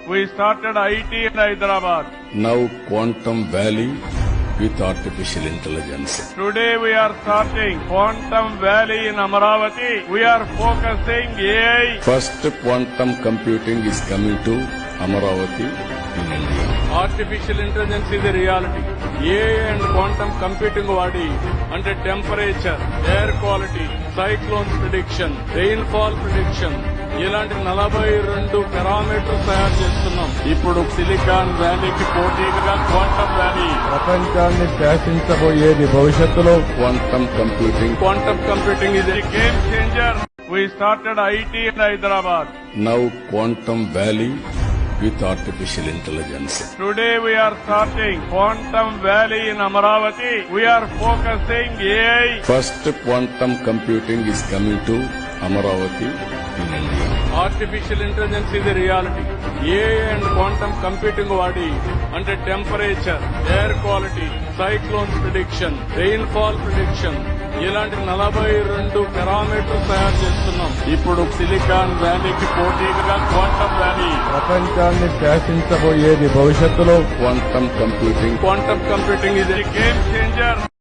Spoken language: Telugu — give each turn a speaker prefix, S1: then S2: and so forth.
S1: we started IT in Hyderabad.
S2: Now Quantum Valley with artificial intelligence.
S1: Today we are starting Quantum Valley in Amaravati. We are focusing AI.
S2: First quantum computing is coming to Amaravati in India.
S1: Artificial intelligence is a reality. AI and quantum computing వాడి అంటే temperature, air quality, cyclones prediction, rainfall prediction ఇలాంటి 42 పారామీటర్స్ తయారు చేస్తున్నాం. ఇప్పుడు సిలికాన్ వ్యాలీకి పోటీగా క్వాంటమ్ వ్యాలీ
S3: ప్రపంచాన్ని శాసించబోయేది భవిష్యత్తులో
S2: Quantum
S1: computing is a game changer. We started IT in Hyderabad.
S2: Now Quantum Valley with artificial intelligence.
S1: Today we are starting Quantum Valley in Amaravati. We are focusing AI.
S2: First quantum computing is coming to Amaravati in India.
S1: Artificial intelligence ఇది reality. AI and quantum computing వాడి అంటే temperature, air quality, cyclones prediction, rainfall prediction ఇలాంటి 42 పారామీటర్స్ తయారు చేస్తున్నాం. ఇప్పుడు సిలికాన్ వ్యాలీకి పోటీగా క్వాంటమ్ వ్యాలీ
S3: ప్రపంచాన్ని శాసించబోయేది భవిష్యత్తులో
S2: Quantum computing
S1: ఇది గేమ్ చేంజర్.